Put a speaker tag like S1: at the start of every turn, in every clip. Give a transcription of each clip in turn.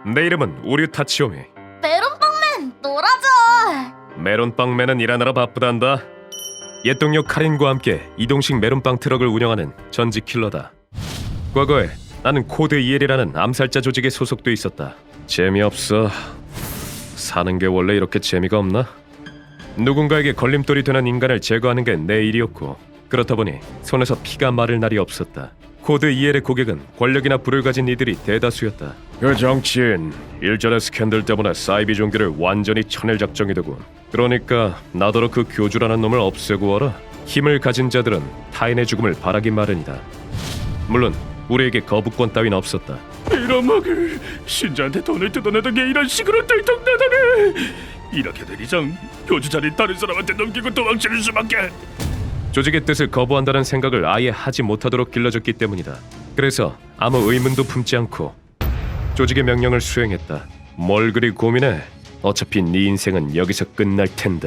S1: 내 이름은 우류 타치오미.
S2: 메론빵맨 놀아줘.
S1: 메론빵맨은 일하느라 바쁘단다. 옛 동료 카린과 함께 이동식 메론빵 트럭을 운영하는 전직 킬러다. 과거에 나는 코드 EL이라는 암살자 조직에 소속돼 있었다. 재미없어. 사는 게 원래 이렇게 재미가 없나? 누군가에게 걸림돌이 되는 인간을 제거하는 게 내 일이었고, 그렇다 보니 손에서 피가 마를 날이 없었다. 코드 EL의 고객은 권력이나 부를 가진 이들이 대다수였다. 그 정치인 일전의 스캔들 때문에 사이비 종교를 완전히 쳐낼 작정이 되고, 그러니까 나더러 그 교주라는 놈을 없애고 와라. 힘을 가진 자들은 타인의 죽음을 바라기 마련이다. 물론 우리에게 거부권 따윈 없었다.
S3: 이런 먹을 신자한테 돈을 뜯어내던 게 이런 식으로 들통나다네. 이렇게 된 이상 교주 자리 다른 사람한테 넘기고 도망치는 수밖에.
S1: 조직의 뜻을 거부한다는 생각을 아예 하지 못하도록 길러졌기 때문이다. 그래서 아무 의문도 품지 않고 조직의 명령을 수행했다. 뭘 그리 고민해? 어차피 네 인생은 여기서 끝날 텐데.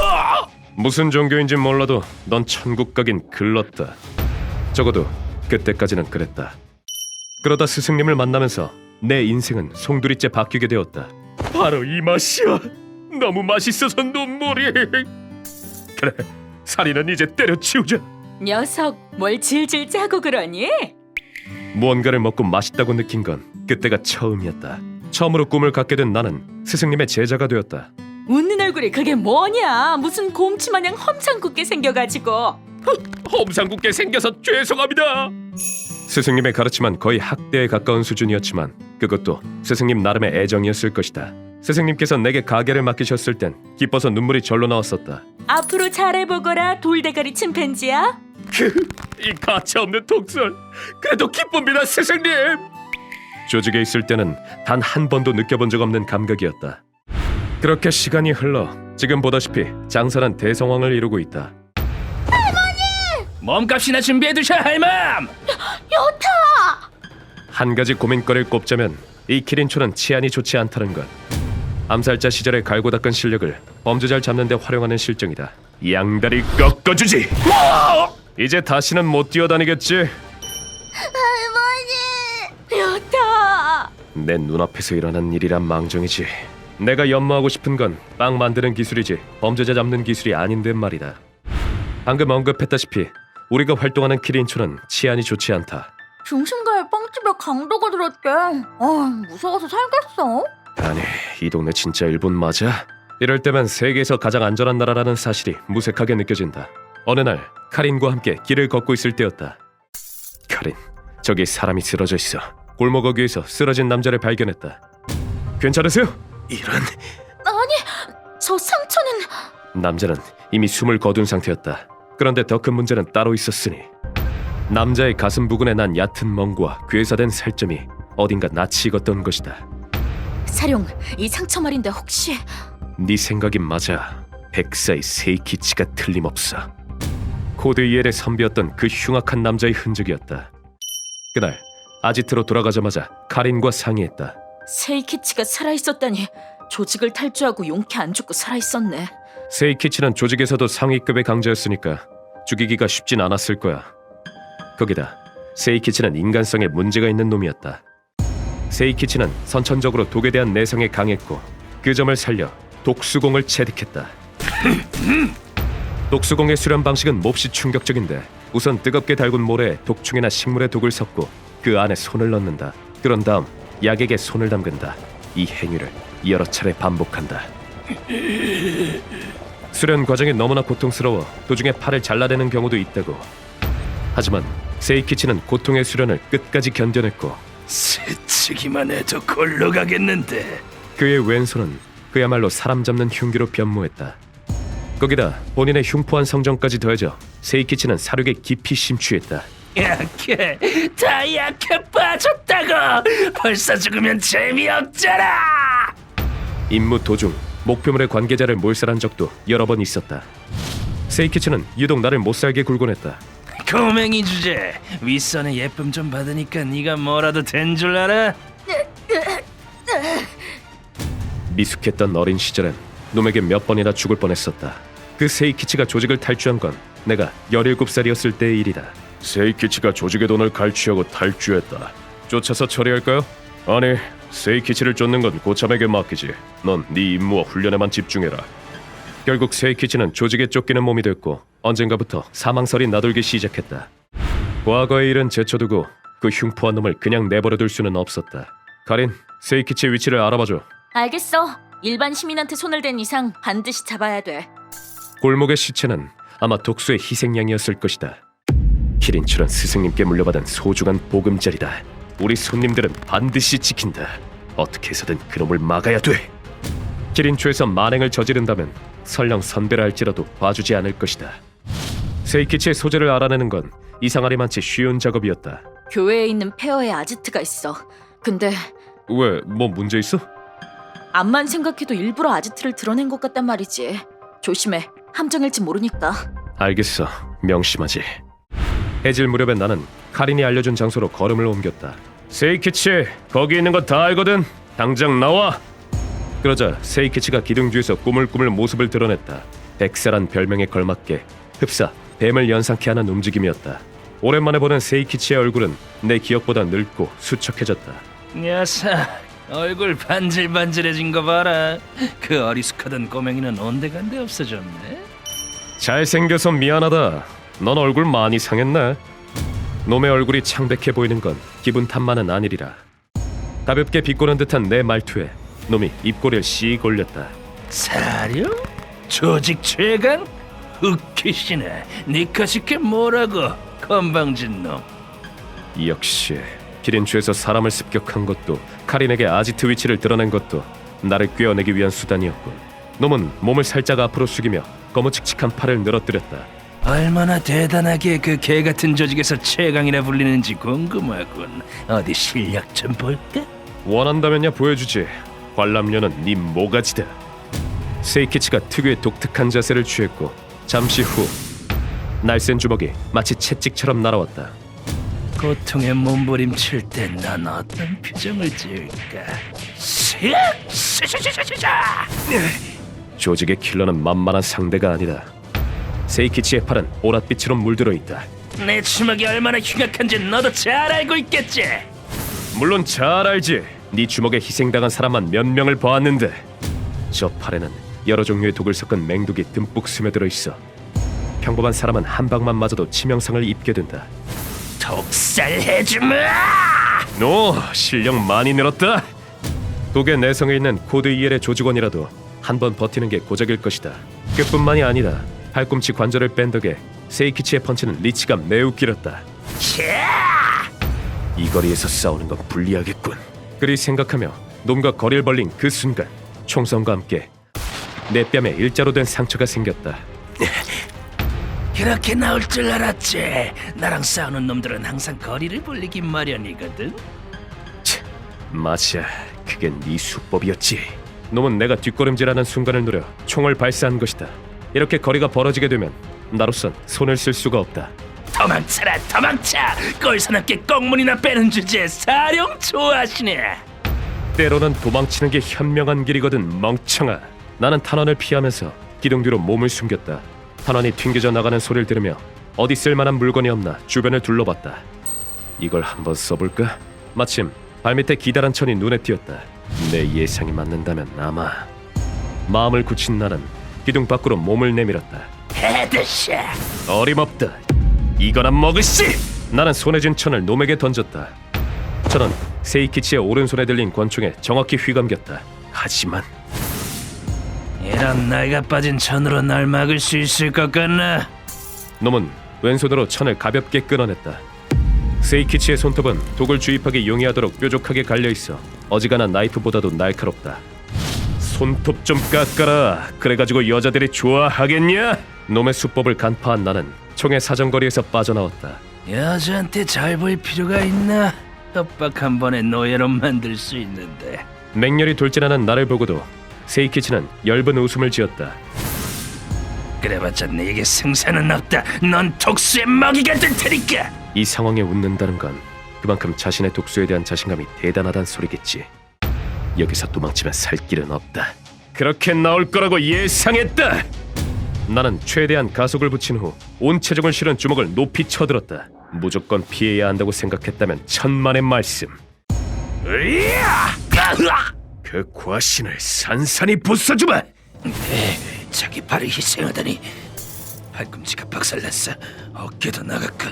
S1: 무슨 종교인진 몰라도 넌 천국 가긴 글렀다. 적어도 그때까지는 그랬다. 그러다 스승님을 만나면서 내 인생은 송두리째 바뀌게 되었다.
S3: 바로 이 맛이야. 너무 맛있어서 눈물이. 그래, 살인은 이제 때려치우자.
S4: 녀석, 뭘 질질 짜고 그러니?
S1: 무언가를 먹고 맛있다고 느낀 건 그때가 처음이었다. 처음으로 꿈을 갖게 된 나는 스승님의 제자가 되었다.
S4: 웃는 얼굴이 그게 뭐냐? 무슨 곰치 마냥 험상궂게 생겨가지고.
S3: 험상궂게 생겨서 죄송합니다.
S1: 스승님의 가르침은 거의 학대에 가까운 수준이었지만 그것도 스승님 나름의 애정이었을 것이다. 스승님께서 내게 가게를 맡기셨을 땐 기뻐서 눈물이 절로 나왔었다.
S4: 앞으로 잘해보거라, 돌대가리 침팬지야.
S3: 이 가차없는 독설. 그래도 기쁩니다, 스승님.
S1: 조직에 있을 때는 단 한 번도 느껴본 적 없는 감각이었다. 그렇게 시간이 흘러 지금 보다시피 장사는 대성황을 이루고 있다.
S3: 몸값이나 준비해두셔, 할멈.
S2: 여타.
S1: 한 가지 고민거리를 꼽자면 이 키린초는 치안이 좋지 않다는 것. 암살자 시절에 갈고 닦은 실력을 범죄자를 잡는 데 활용하는 실정이다. 양다리 꺾어주지. 이제 다시는 못 뛰어다니겠지?
S2: 할머니.
S4: 여타.
S1: 내 눈앞에서 일어난 일이란 망정이지. 내가 연마하고 싶은 건 빵 만드는 기술이지 범죄자 잡는 기술이 아닌데 말이다. 방금 언급했다시피 우리가 활동하는 키린초는 치안이 좋지 않다.
S2: 중심가에 빵집에 강도가 들었대. 무서워서 살겠어.
S1: 아니, 이 동네 진짜 일본 맞아? 이럴 때면 세계에서 가장 안전한 나라라는 사실이 무색하게 느껴진다. 어느 날 카린과 함께 길을 걷고 있을 때였다. 카린, 저기 사람이 쓰러져 있어. 골목 어귀에서 쓰러진 남자를 발견했다. 괜찮으세요? 이런...
S2: 아니, 저 상처는...
S1: 남자는 이미 숨을 거둔 상태였다. 그런데 더 큰 문제는 따로 있었으니 남자의 가슴 부근에 난 얕은 멍과 괴사된 살점이 어딘가 낯이 익었던 것이다.
S4: 사룡, 이 상처 말인데 혹시...
S1: 네 생각이 맞아. 백사의 세이키치가 틀림없어. 코드 EL의 선비였던 그 흉악한 남자의 흔적이었다. 그날 아지트로 돌아가자마자 카린과 상의했다.
S4: 세이키치가 살아있었다니. 조직을 탈주하고 용케 안 죽고 살아있었네.
S1: 세이키치는 조직에서도 상위급의 강자였으니까 죽이기가 쉽진 않았을 거야. 거기다 세이키치는 인간성에 문제가 있는 놈이었다. 세이키치는 선천적으로 독에 대한 내성에 강했고 그 점을 살려 독수공을 체득했다. 독수공의 수련 방식은 몹시 충격적인데 우선 뜨겁게 달군 모래에 독충이나 식물의 독을 섞고 그 안에 손을 넣는다. 그런 다음 약에게 손을 담근다. 이 행위를 여러 차례 반복한다. 수련 과정이 너무나 고통스러워 도중에 팔을 잘라내는 경우도 있다고. 하지만 세이키치는 고통의 수련을 끝까지 견뎌냈고
S3: 스치기만 해도 골로 가겠는데.
S1: 그의 왼손은 그야말로 사람 잡는 흉기로 변모했다. 거기다 본인의 흉포한 성정까지 더해져 세이키치는 사륙에 깊이 심취했다.
S3: 약해, 다 약해 빠졌다고. 벌써 죽으면 재미없잖아.
S1: 임무 도중 목표물의 관계자를 몰살한 적도 여러 번 있었다. 세이키치는 유독 나를 못살게 굴곤 했다.
S3: 고맹이 주제. 윗선의 예쁨 좀 받으니까 네가 뭐라도 된 줄 알아?
S1: 미숙했던 어린 시절엔 놈에게 몇 번이나 죽을 뻔했었다. 그 세이키치가 조직을 탈주한 건 내가 17살이었을 때의 일이다. 세이키치가 조직의 돈을 갈취하고 탈주했다. 쫓아서 처리할까요? 아니, 세이키치를 쫓는 건 고참에게 맡기지. 넌 네 임무와 훈련에만 집중해라. 결국 세이키치는 조직에 쫓기는 몸이 됐고 언젠가부터 사망설이 나돌기 시작했다. 과거의 일은 제쳐두고 그 흉포한 놈을 그냥 내버려둘 수는 없었다. 카린, 세이키치의 위치를 알아봐줘.
S4: 알겠어. 일반 시민한테 손을 댄 이상 반드시 잡아야 돼.
S1: 골목의 시체는 아마 독수의 희생양이었을 것이다. 키린처럼 스승님께 물려받은 소중한 보금자리다. 우리 손님들은 반드시 지킨다. 어떻게 해서든 그놈을 막아야 돼. 키린초에서 만행을 저지른다면 설령 선배라 할지라도 봐주지 않을 것이다. 세이키치의 소재를 알아내는 건 이상하리만치 쉬운 작업이었다.
S4: 교회에 있는 폐허의 아지트가 있어. 근데
S1: 왜, 뭐 문제 있어?
S4: 암만 생각해도 일부러 아지트를 드러낸 것 같단 말이지. 조심해. 함정일지 모르니까.
S1: 알겠어, 명심하지. 해질 무렵에 나는 카린이 알려준 장소로 걸음을 옮겼다. 세이키치, 거기 있는 거 다 알거든. 당장 나와. 그러자 세이키치가 기둥 뒤에서 꾸물꾸물 모습을 드러냈다. 백사란 별명에 걸맞게 흡사, 뱀을 연상케 하는 움직임이었다. 오랜만에 보는 세이키치의 얼굴은 내 기억보다 늙고 수척해졌다.
S5: 녀석, 얼굴 반질반질해진 거 봐라. 그 어리숙하던 꼬맹이는 온데간데 없어졌네.
S1: 잘생겨서 미안하다. 넌 얼굴 많이 상했네. 놈의 얼굴이 창백해 보이는 건 기분 탓만은 아니리라. 가볍게 비꼬는 듯한 내 말투에 놈이 입꼬리를 씩 올렸다.
S5: 사료? 조직 최강? 웃기시네. 니카시게 뭐라고? 건방진 놈.
S1: 역시 기린추에서 사람을 습격한 것도 카린에게 아지트 위치를 드러낸 것도 나를 꿰어내기 위한 수단이었군. 놈은 몸을 살짝 앞으로 숙이며 거무칙칙한 팔을 늘어뜨렸다.
S5: 얼마나 대단하게 그 개같은 조직에서 최강이라 불리는지 궁금하군. 어디 실력 좀 볼까?
S1: 원한다면야 보여주지. 관람료는 네 모가지다. 세이키치가 특유의 독특한 자세를 취했고 잠시 후 날쌘 주먹이 마치 채찍처럼 날아왔다.
S5: 고통에 몸부림칠 때 난 어떤 표정을 지을까?
S1: 조직의 킬러는 만만한 상대가 아니다. 세이키치의 팔은 오랏빛으로 물들어 있다.
S5: 내 주먹이 얼마나 흉악한지 너도 잘 알고 있겠지?
S1: 물론 잘 알지. 네 주먹에 희생당한 사람만 몇 명을 보았는데 저 팔에는 여러 종류의 독을 섞은 맹독이 듬뿍 스며들어 있어. 평범한 사람은 한 방만 맞아도 치명상을 입게 된다.
S5: 독살해주마!
S1: 너 실력 많이 늘었다. 독의 내성에 있는 코드 EL의 조직원이라도 한 번 버티는 게 고작일 것이다. 그뿐만이 아니다. 팔꿈치 관절을 뺀 덕에 세이키치의 펀치는 리치가 매우 길었다. 이 거리에서 싸우는 건 불리하겠군. 그리 생각하며 놈과 거리를 벌린 그 순간 총성과 함께 내 뺨에 일자로 된 상처가 생겼다.
S5: 그렇게 나올 줄 알았지. 나랑 싸우는 놈들은 항상 거리를 벌리기 마련이거든.
S1: 맞아, 그게 네 수법이었지. 놈은 내가 뒷걸음질하는 순간을 노려 총을 발사한 것이다. 이렇게 거리가 벌어지게 되면 나로선 손을 쓸 수가 없다.
S5: 도망쳐라, 도망쳐! 꼴사납게 꽁문이나 빼는 주제에 사령 좋아하시네.
S1: 때로는 도망치는 게 현명한 길이거든, 멍청아. 나는 탄환을 피하면서 기둥 뒤로 몸을 숨겼다. 탄환이 튕겨져 나가는 소리를 들으며 어디 쓸만한 물건이 없나 주변을 둘러봤다. 이걸 한번 써볼까? 마침 발밑에 기다란 천이 눈에 띄었다. 내 예상이 맞는다면 아마. 마음을 굳힌 나는 기둥 밖으로 몸을 내밀었다.
S5: 헤드샷!
S1: 어림없다. 이거나 먹으시! 나는 손에 쥔 천을 놈에게 던졌다. 천은 세이키치의 오른손에 들린 권총에 정확히 휘감겼다. 하지만
S5: 이런 나이가 빠진 천으로 날 막을 수 있을 것 같나?
S1: 놈은 왼손으로 천을 가볍게 끊어냈다. 세이키치의 손톱은 독을 주입하기 용이하도록 뾰족하게 갈려있어 어지간한 나이프보다도 날카롭다. 손톱 좀 깎아라. 그래가지고 여자들이 좋아하겠냐? 놈의 수법을 간파한 나는 총의 사정거리에서 빠져나왔다.
S5: 여자한테 잘 보일 필요가 있나? 협박 한 번에 노예로 만들 수 있는데.
S1: 맹렬히 돌진하는 나를 보고도 세이키치는 엷은 웃음을 지었다.
S5: 그래봤자 내게 승산은 없다. 넌 독수의 먹이가 될 테니까.
S1: 이 상황에 웃는다는 건 그만큼 자신의 독수에 대한 자신감이 대단하단 소리겠지. 여기서 도망치면 살 길은 없다. 그렇게 나올 거라고 예상했다. 나는 최대한 가속을 붙인 후 온 체중을 실은 주먹을 높이 쳐들었다. 무조건 피해야 한다고 생각했다면 천만의 말씀.
S5: 으야!
S1: 그 과신을 산산히 부숴주마.
S5: 자기 발을 희생하다니 팔꿈치가 박살났어. 어깨도 나갔군.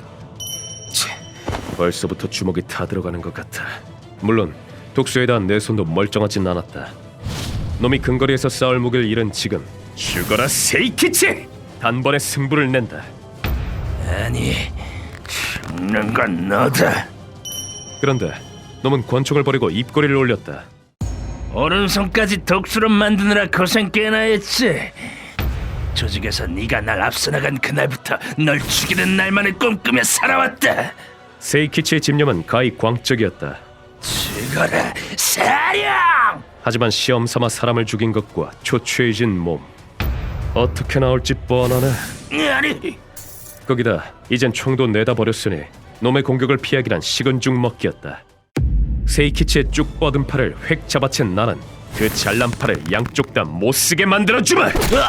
S1: 벌써부터 주먹이 타들어가는 것 같아. 물론 독수에 대한 내 손도 멀쩡하진 않았다. 놈이 근거리에서 싸울 무기를 잃은 지금 죽어라 세이키치! 단번에 승부를 낸다.
S5: 아니, 죽는 건 너다.
S1: 그런데 놈은 권총을 버리고 입꼬리를 올렸다.
S5: 오른손까지 독수로 만드느라 고생 꽤나 했지. 조직에서 네가 날 앞서 나간 그날부터 널 죽이는 날만을 꿈꾸며 살아왔다.
S1: 세이키치의 집념은 가히 광적이었다.
S5: 죽어라, 사령!
S1: 하지만 시험 삼아 사람을 죽인 것과 초췌해진 몸, 어떻게 나올지 뻔하네.
S5: 아니,
S1: 거기다 이젠 총도 내다 버렸으니 놈의 공격을 피하기란 식은 죽 먹기였다. 세이키치의 쭉 뻗은 팔을 획 잡아챈 나는 그 잘난 팔을 양쪽 다 못쓰게 만들어주마!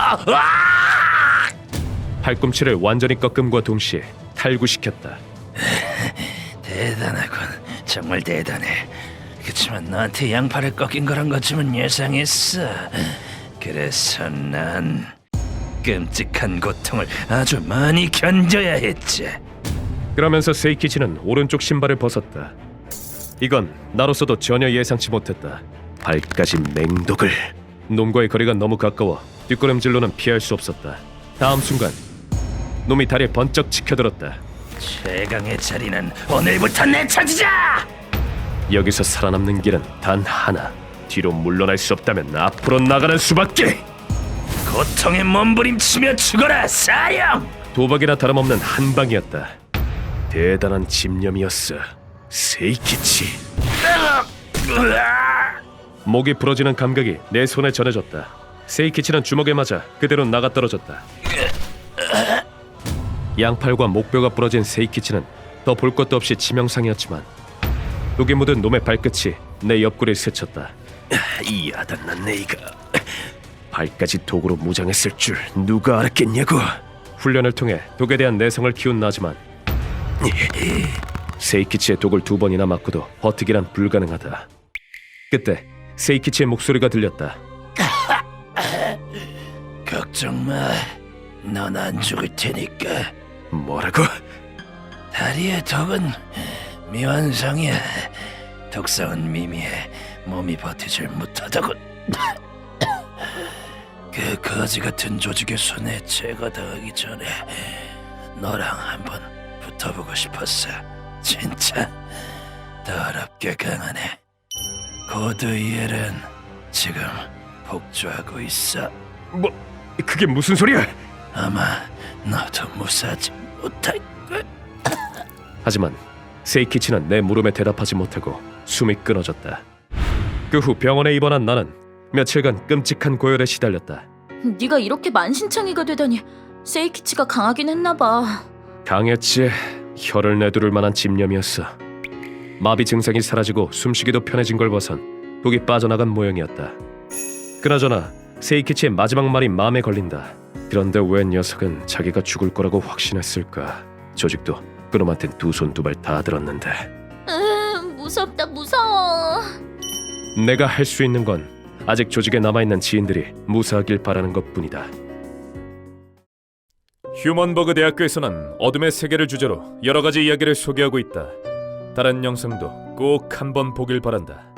S1: 팔꿈치를 완전히 꺾음과 동시에 탈구시켰다.
S5: 대단하군. 정말 대단해. 그치만 너한테 양팔을 꺾인 거란 것쯤은 예상했어. 그래서 난 끔찍한 고통을 아주 많이 견뎌야 했지.
S1: 그러면서 세이키치는 오른쪽 신발을 벗었다. 이건 나로서도 전혀 예상치 못했다. 발까지 맹독을. 놈과의 거리가 너무 가까워 뒷걸음질로는 피할 수 없었다. 다음 순간 놈이 다리를 번쩍 치켜들었다.
S5: 최강의 자리는 오늘부터 내 차지자!
S1: 여기서 살아남는 길은 단 하나. 뒤로 물러날 수 없다면 앞으로 나가는 수밖에.
S5: 고통에 몸부림치며 죽어라, 사령!
S1: 도박이나 다름없는 한 방이었다. 대단한 집념이었어, 세이키치. 목이 부러지는 감각이 내 손에 전해졌다. 세이키치는 주먹에 맞아 그대로 나가 떨어졌다. 양팔과 목뼈가 부러진 세이키치는 더 볼 것도 없이 치명상이었지만 독에 묻은 놈의 발끝이 내 옆구리에 스쳤다. 이 야단난 네이가 발까지 독으로 무장했을 줄 누가 알았겠냐고. 훈련을 통해 독에 대한 내성을 키운 나지만 세이키치의 독을 2번이나 맞고도 버티기란 불가능하다. 그때 세이키치의 목소리가 들렸다.
S5: 걱정 마. 넌 안 죽을 테니까.
S1: 뭐라고?
S5: 다리의 독은 미완성이야. 독성은 미미해. 몸이 버티질 못하다군. 그 거지 같은 조직의 손에 제거당하기 전에 너랑 한번 붙어보고 싶었어. 진짜 더럽게 강하네. 고드 이엘은 지금 복주하고 있어.
S1: 뭐? 그게 무슨 소리야?
S5: 아마 너도 무사하지 못할 걸.
S1: 하지만 세이키치는 내 물음에 대답하지 못하고 숨이 끊어졌다. 그 후 병원에 입원한 나는 며칠간 끔찍한 고열에 시달렸다.
S4: 네가 이렇게 만신창이가 되다니. 세이키치가 강하긴 했나 봐.
S1: 강했지. 혀를 내두를 만한 집념이었어. 마비 증상이 사라지고 숨쉬기도 편해진 걸 봐선 독이 빠져나간 모양이었다. 그나저나 세이키치의 마지막 말이 마음에 걸린다. 그런데 왜 녀석은 자기가 죽을 거라고 확신했을까? 조직도 그놈한텐 2손 2발 다 들었는데.
S2: 무섭다, 무서워.
S1: 내가 할 수 있는 건 아직 조직에 남아있는 지인들이 무사하길 바라는 것뿐이다. 휴먼버그 대학교에서는 어둠의 세계를 주제로 여러 가지 이야기를 소개하고 있다. 다른 영상도 꼭 한번 보길 바란다.